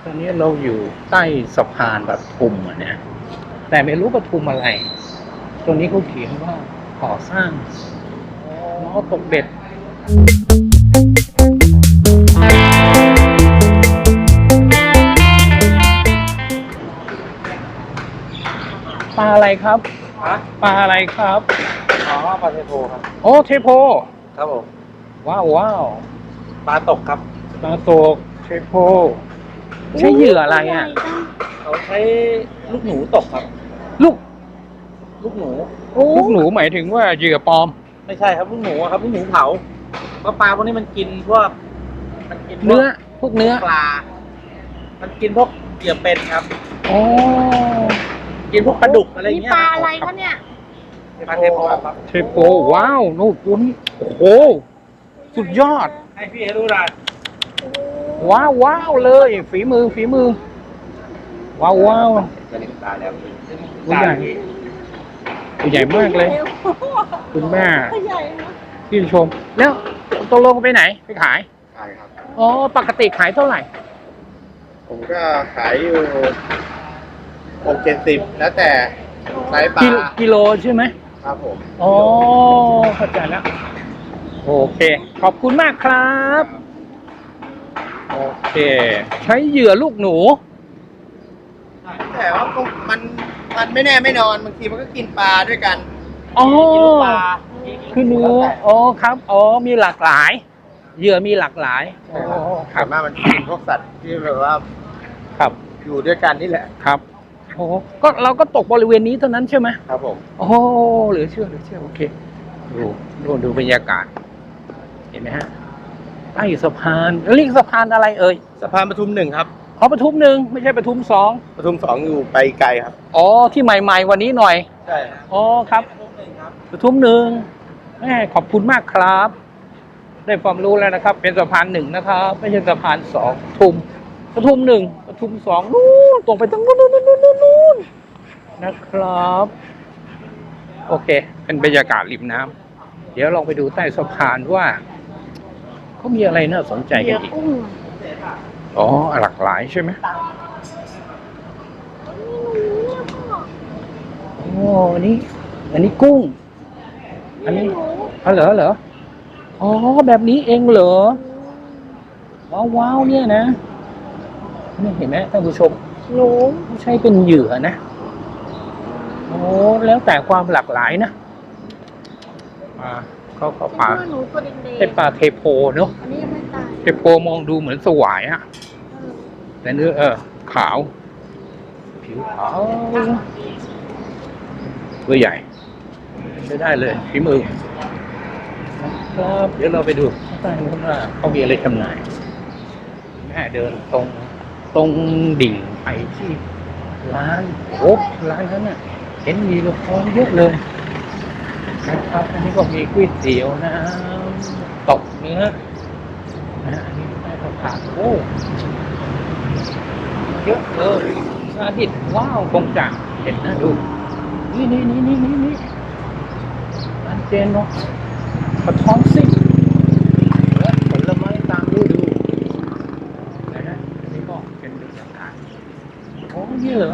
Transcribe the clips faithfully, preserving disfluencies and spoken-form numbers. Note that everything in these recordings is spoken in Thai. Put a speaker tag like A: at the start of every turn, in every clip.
A: อนนี้เราอยู่ใต้สะพานปทุมอ่ะนะแต่ไม่รู้ปทุมอะไรตรงนี้เขาเขียนว่าก่อสร้างล้อตกเบ็ดปลาอะไรครับ
B: ฮะ
A: ปลาอะไรครับ
B: อ๋อปลาเทโพครับ
A: โอ้เทโพ
B: ครับผม
A: ว้าวว้าว
B: ปลาตกครับ
A: ปลาตกเทโพใช้เหยื่ออะไรอ่ะ
B: เขาใช้ลูกหนูตกครับ
A: ลูก
B: ลูกหนู
A: ลูกหนูหมายถึงว่าเหยื่อปลอม
B: ไม่ใช่ครับลูกหนูอะครับลูกหนูเผาเพราะปลาพวกนี้มันกินพวกมันกินพวก
A: เนื้อพวกเนื้อ
B: ปลา มันกินพวกเหยื่อเป็นครับ
A: อ๋อ
B: กินพวกปลาดุกอะไรอย่าง
C: นี่
B: เงี้ย
C: ปลาอะไรคะเนี่ย
B: ปลาเทโพครับ
A: เทโพว้าวนู่นตัวนี้โอ้โหสุดยอด
B: ให้พี่ให้ดูหน่อย
A: ว้าวว้าวเลย ฝีมือฝีมือ ว้าวว้าว
B: จะเลี้ยงปลาแล้ว
A: ตัวใหญ่ตัวใหญ่มากเลย คุณแม่
C: ใหญ่นะ
A: พี่ชม แล้วตกลงไปไหนไปขาย
D: ขายครับ
A: อ๋อปกติขายเท่าไหร่
D: ผมก็ขายอยู่หกเจ็ดสิบแล้วแต่ไซส์ปลา
A: กิโลกิโลใช่ไหม
D: ครับผม
A: อ๋อเข้าใจแล้วโอเค ขอบคุณมากครับ โอเค ใช้เหยื่อลูกหนู
D: แต่ว่าก็มันมันไม่แน่ไม่นอนบางทีมันก็กินปลาด้วยกัน
A: อ๋อ
D: กินลูกปลา
A: คือเนื้ออ๋อครับ อ๋อ มีหลากหลาย เหยื่อมีหลากหลายอ๋อค
D: ถา
A: รั
D: ม
A: บ
D: ว่ามันกินพวกสัตว์ที่แบบว่า
A: ครับ
D: อยู่ด้วยกันนี่แหละ
A: ครับโอ้ก็เราก็ตกบริเวณนี้เท่านั้นใช่ไหม
D: ครับผม
A: โอ้เหลือเชื่อเหลือเชื่อโอเค ดูดูดูบรรยากาศ เห็นไหมฮะใต้สะพานเรียกสะพานอะไรเอ่ย
D: สะพานปทุมหนึ่งครับ
A: อ๋อปทุมหนึ่งไม่ใช่ปทุมสอง
D: ปทุมสองอยู่ไปไกลครับ
A: อ๋อ ที่ใหม่ๆวันนี้หน่อย
D: ใช่
A: อ๋อครับปทุมหนึ่งแม่ขอบคุณมากครับ ได้ความรู้แล้วนะครับ เป็นสะพานหนึ่งนะครับ ไม่ใช่สะพานสองปทุมปทุมหนึ่งปทุมสองนู่นตรงไปตรงนู้นนู้นนู้นนู้นนู้นนะครับ โอเค เป็นบรรยากาศริมน้ำเดี๋ยวลองไปดูใต้สะพานว่าเขามีอะไรน่าสนใจ
C: เห
A: กั
C: ยื่
A: น
C: อ
A: อีก
C: กุ้ง
A: อ๋อหลากหลายใช่ไหมโอ้อันนี้ อันนี้กุ้ง อันนี้อ๋อเหรอเหรออ๋อแบบนี้เองเหรอว้าวว้าวเนี่ยนะนี่เห็นไหมท่านผู้ชม
C: หนู
A: ไม่ใช่เป็นเหยื่อนะโอ้แล้วแต่ความหลากหลายนะปลาเขาเขาปลา
C: หนูตัวแดง
A: เป็นปลาเทโพเนอะ
C: ๆอันนี้ยังไม่ตาย
A: เทโพมองดูเหมือนสวายอะแต่เนื้อเออขาว ผิวขาวตัวใหญ่ใช้ได้เลยฝีมือครับเดี๋ยวเราไปดูข้างใต้นู้นว่าเขามีอะไรจำหน่ายแม่เดินตรงตรงดิ่งไปที่ร้านโอ้ร้านนั้นน่ะเห็นมีลูกค้าเยอะเลยนะครับอันนี้ก็มีก๋วยเตี๋ยวน้ำตกเนื้อนะอันนี้ได้ข้าวผัดโอ้เยอะเลยซาดิสว้าวคงจะเห็นนะดูนี่นี่นี่นี่นี่นี่อันเจนเนาะกระท้อนซิ่งและผลไม้ตามฤดูนะฮะอันนี้ก็เป็นบรรยากาศโอ้นี่เหรอ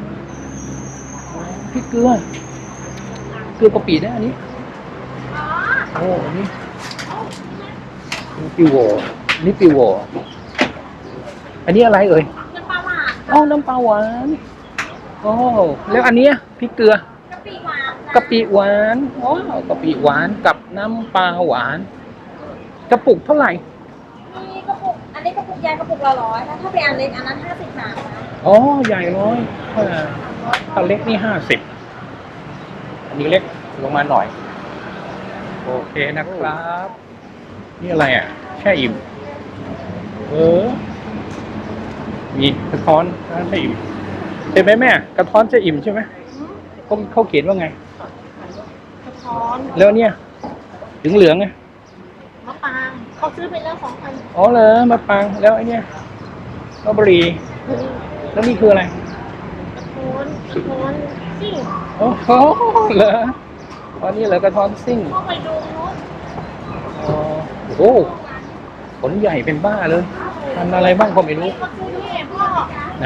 A: พริกเกลือเกลือกะปินะอันนี้
C: อ๋อ
A: โอ้อันนี้นี่ปิโวนี่ปิโวอันนี้อะไรเอ่ย
C: น้ำปลาหวาน
A: อ๋อน้ำปลาหวานโอ้แล้วอันเนี้ยพริกเกลือก
C: ะปิหวาน
A: กะปิหวานว้าวกะปิหวานกับน้ำปลาหวานกระปุกเท่าไหร่
C: มีกระปุก อันนี้กระปุกใหญ่กระปุกละร้อยนะถ้าเป็นอันเล็กอันนั้นห้าสิบบาทนะ
A: อ๋อใหญ่ร้อยถ้าถ้าเล็กนี่ห้าสิบอันนี้เล็กลงมาหน่อยโอเคนะครับ นี่อะไรอ่ะแช่อิ่มเออมีกระท้อนแช่อิ่มเห็นไหมแม่กระท้อนแช่อิ่มใช่ไหมเขาเขาเขียนว่าไง
C: กระท้อน
A: แล้วเนี่ยถึงเหลืองไง
C: มะปรางเขาซื้อไปแล้วสองพัน
A: อ๋อเหรอมาปังแล้วไอ้เนี่ยลอเบอรี่แล้วนี่คืออะไร
C: กระท้อนกระท้อนซิ่ง
A: โอ้โหเหรออ๋อนี่เหรอกระท้อนซิ่ง
C: เข้าไปดูนู้น
A: อ๋อโอ้โหผลใหญ่เป็นบ้าเลยทำอะไรบ้างก็ไม่รู้
C: เขาซื้อที่
A: ไหน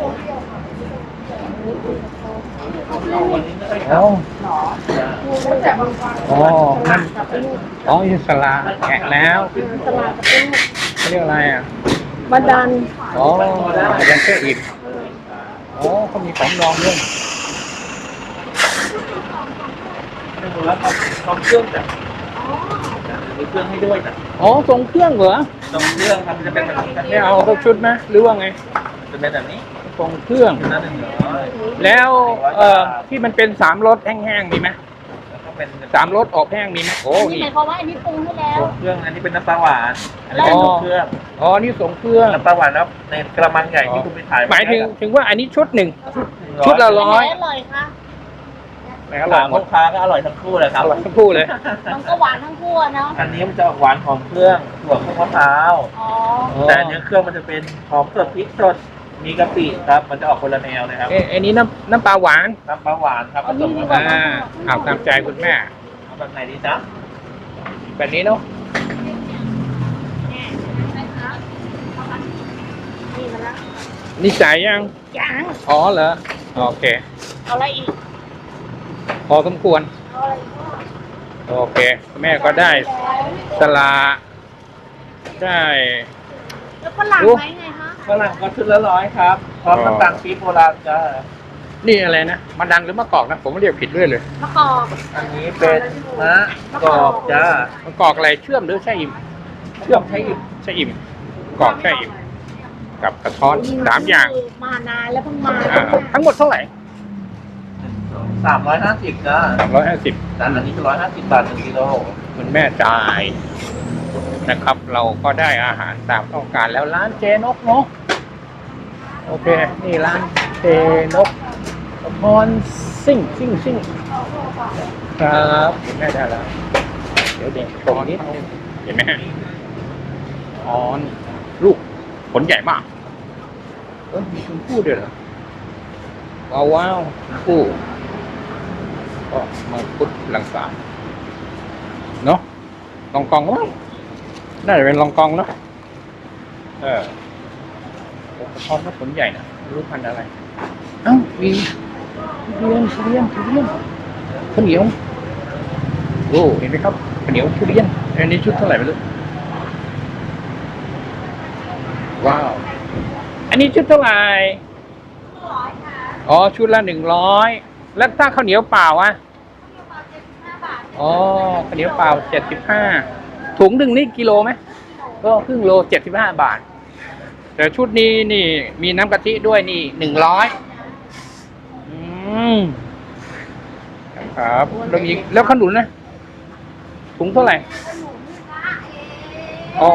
A: อ๋ออ๋อนั่นอ๋ออิสลาแกะแล้วเขาเรียกอะไรอ่ะ
C: บันดัน
A: อ๋อยังเชื่ออีกอ๋อเขามีของดองด้วย
B: แล้วเขาเขาเครื่องแบบมีเครื่องให้ด้วยนะ
A: อ๋อส่งเครื่องเหรอ
B: ตรงเครื่องครับมันจะเป็นแบบนี้
A: ไม่เอาสักชุดไหมหรือว่าไง
B: จะเป็นแบบนี้
A: ส่งเครื่อง
B: นั่นหนึ่งร้อย
A: แล้วเอ่อที่มันเป็นสามรสแห้งๆมีไหม
B: แล้วก็เป็น
A: สามรสออกแห้งมีไหมโอ้
C: นี่
A: นี่
C: หมายความว่าอันนี้ปรุงให้แล้ว
B: ตรงเครื่องอันนี้เป็นน้ำปลาหวานอันนี้เป็นตรงเครื่อง
A: อ๋อนี่ส่งเครื่อง
B: น้ำปลาหวานแล้วในกระมังใหญ่ที่คุณไปถ่าย
A: หมายถึงถึงว่าอันนี้ชุดหนึ่งชุดละร้อย
C: อร่อยค่ะ
A: แหมอร่อ
B: ถาย ม
A: หม
B: ลู
A: ด
B: กค้าก็อร่อยทั้งคู่เลยค
A: อ
B: รับ
A: ร่อยทั้งคู่เลย
C: มันก็หวานทั้งคู่อะเนาะ
B: อันนี้มันจะออกหวานของเครื่องถั่วข้าวมะพร้าว
C: อ๋อ
B: แต่อันนี้เครื่องมันจะเป็นหอมสดพริกสดมีกะปิครับมันจะออกคนละแนวนะครับ
A: เอ้อันนี้น้ำน้ำปลาหวาน
B: น้ำปลาหวานครับผสมกับ
A: อ่าเอาตามใจคุณแม่
B: เอาแบบไหนดีจ๊ะ
A: แบบนี้เนาะ
C: นี่มาแล้ว
A: นี่จ่ายยัง
C: ยัง
A: อ๋อเหรอโอเค
C: เอาอะไรอีก
A: พอสมควร
C: เอาอะไรอีก
A: โอเค แม่ก็ได้สลาได้
C: แล้วฝรั่ง
A: โอ้
C: ไหมไงคะ
B: ฝรั่งก็ชุดละร้อยครับพร้อมน้ำตาลปี๊บโบราณจ้า
A: นี่อะไรนะมะดังหรือมะกอกนะ ผมเรียกผิดด้วยเลย
C: มะกอก
B: อันนี้เป็นมะกอกจ้าม
A: ะกอกอะไรเชื่อมหรือใช่อิ่ม
B: เชื่อมใช้อิ่ม
A: ใช่อิ่มกอกใช่อิ่มกับกระท้อนสามอย่าง
C: มานานแล้วเพิ่งมา
A: อ่าทั้งหมดเท่าไหร่
B: สามร้อยห้าสิบจ้า
A: สามร้อยห้าสิบ
B: จานอันนี้จะร้อยห้าสิบบาทหนึ่งกิโล
A: คุณแม่จ่ายนะครับ เราก็ได้อาหารตามต้องการแล้วร้านเจนกเนาะโอเค นี่ร้านเจนกกระท้อนซิ่งซิ่งซิ่งครับคุณแม่ได้แล้ว เดี๋ยวเด็กตรงนี้เห็นไหมฮะอ๋อลูกผลใหญ่มากเออมีชมพู่ด้วยเหรอว้าวว้าวชมพู่ก็มังคุดลังสาเนาะลองกองมั้งน่าจะเป็นลองกองเนาะเออโอ้กระท้อนก็ผลใหญ่นะไม่รู้พันธุ์อะไรเอ้ามีทุเรียนทุเรียนทุเรียนข้าวเหนียวโอ้เห็นไหมครับข้าวเหนียวทุเรียนอันนี้ชุดเท่าไหร่ไม่รู้ว้าวอันนี้ชุดเท่าไหร่อ๋อชุดละหนึ่งร้อยแล้วถ้าข้าวเหนียวเปล่าอ่ะอ๋อข้าวเหนียวเปล่าเจ็ดสิบห้าถุงหนึ่งนี่กิโลไหมก็ครึ่งโลเจ็ดสิบห้าบาทแต่ชุดนี้นี่มีน้ำกะทิด้วยนี่หนึ่งร้อยอืมครับแล้วมีแล้วขนุนนะถุงเท่าไหร่อ๋อ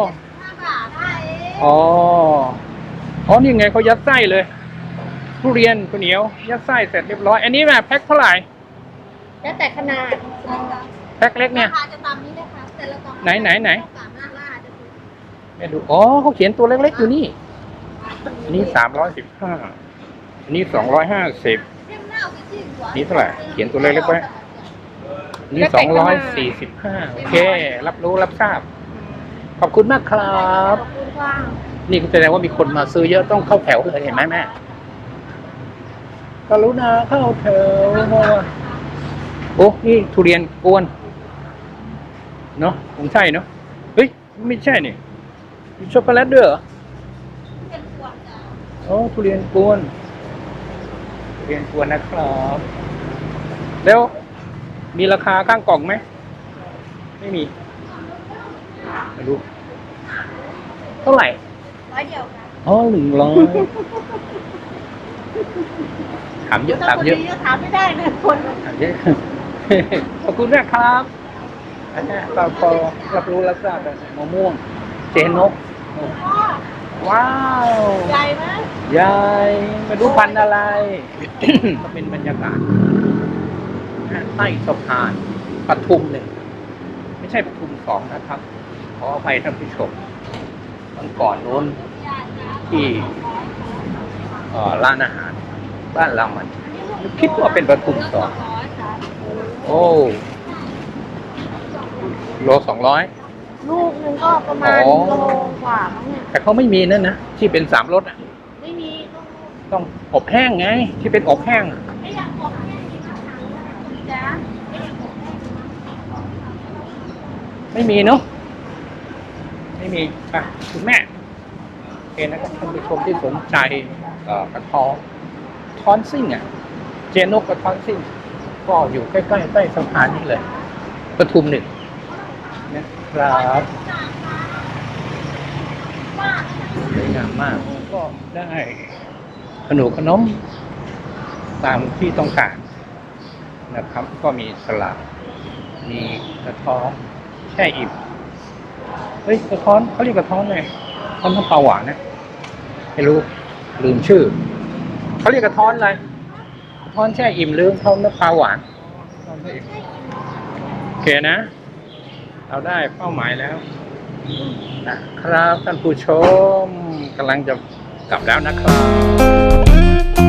A: อ๋ออ๋อนี่ไงเขายัดไส้เลยทุเรียนข้าวเหนียวยัดไส้เสร็จเรียบร้อยอันนี้แบบแพ็คเท่าไหร่
C: แล้วแต่ขนาด
A: แพ็คเล็กเนี่ย
C: ราคาจะตามนี้เลยค่ะแต่ละกล่อง
A: ไหนไหนไหน
C: สามารถล่าจะถูก
A: แม่ดูอ๋อเขาเขียนตัวเล็กๆอยู่นี่อันนี้สามร้อยสิบห้าอันนี้สองร้อยห้าสิบนี่เท่าไหร่เขียนตัวเล็กๆไว้อันนี่สองร้อยสี่สิบห้าโอเค รับรู้รับทราบ ขอบคุณมากครับ
C: ขอบคุณค่ะ
A: นี่แสดงว่ามีคนมาซื้อเยอะต้องเข้าแถวเลยเห็นไหมแม่กรุณาเข้าแถวโอ้นี่ทุเรียนกวนเนาะคงใช่เนาะเฮ้ยไม่ใช่นี่มีช็อกโกแลตด้วยเหรอโอ้ทุเรียนกวนทุเรียนกวนนะครับแล้วมีราคาข้างกล่องไหมไม่มีไม่รู้เท่าไหร่
C: ร้อยเดียวค่ะ
A: อ๋อหนึ่งร้อยถามเยอะถามเยอะ
C: ถ้าคนถามไม่ได้นะคน
A: ถามเยอะ ขอบคุณมากครับอันนี้เราพอรับรู้รับทราบแล้วมะม่วง เจนก ว้าว
C: ใหญ่ไหม
A: ยายไม่รู้พันธุ์อะไร ก็เป็นบรรยากาศใต้สะพานปทุมหนึ่งไม่ใช่ปทุมสองนะครับ ขออภัยท่านผู้ชมวันก่อนนู้นที่เอ่อร้านอาหาร บ้านเรามันคิดว่าเป็นปทุมสองโอ้โลสองร้อย
C: ลูกหนึงก็ประมาณ
A: อ๋อ
C: โลกว่ามั้งเนี่ย
A: แต่เขาไม่มีนั่นนะที่เป็นสามรสอ่ะต้องอบแห้งไง ที่เป็นอบแห้ง
C: ไม่อยากบอกแค่นี้นะคะจ๊ะไม่อยากบอกแค่นี้
A: ไม่มีเนาะไม่มีค่ะคุณแม่โอเคนะครับท่านผู้ชมที่สนใจเอ่อกระท้อนทอนซิ่งอ่ะ เจนกกระท้อนซิ่ง ก็อยู่ใกล้ๆใต้สะพานนี่เลยปทุมหนึ่งนะครับสวยงามมากก็ได้ขนมขนมตามที่ต้องการนะครับ ก็มีสลัดมีกระท้อนแช่อิ่มเฮ้ยกระท้อนเขาเรียกกระท้อนไงท้อนน้ำปลาหวานนะไม่รู้ลืมชื่อเขาเรียกกระท้อนอะไรกระท้อนแช่อิ่มหรือท้อนน้ำปลาหวานโอเคนะ เราได้เป้าหมายแล้วนะครับท่านผู้ชมกำลังจะกลับแล้วนะครับ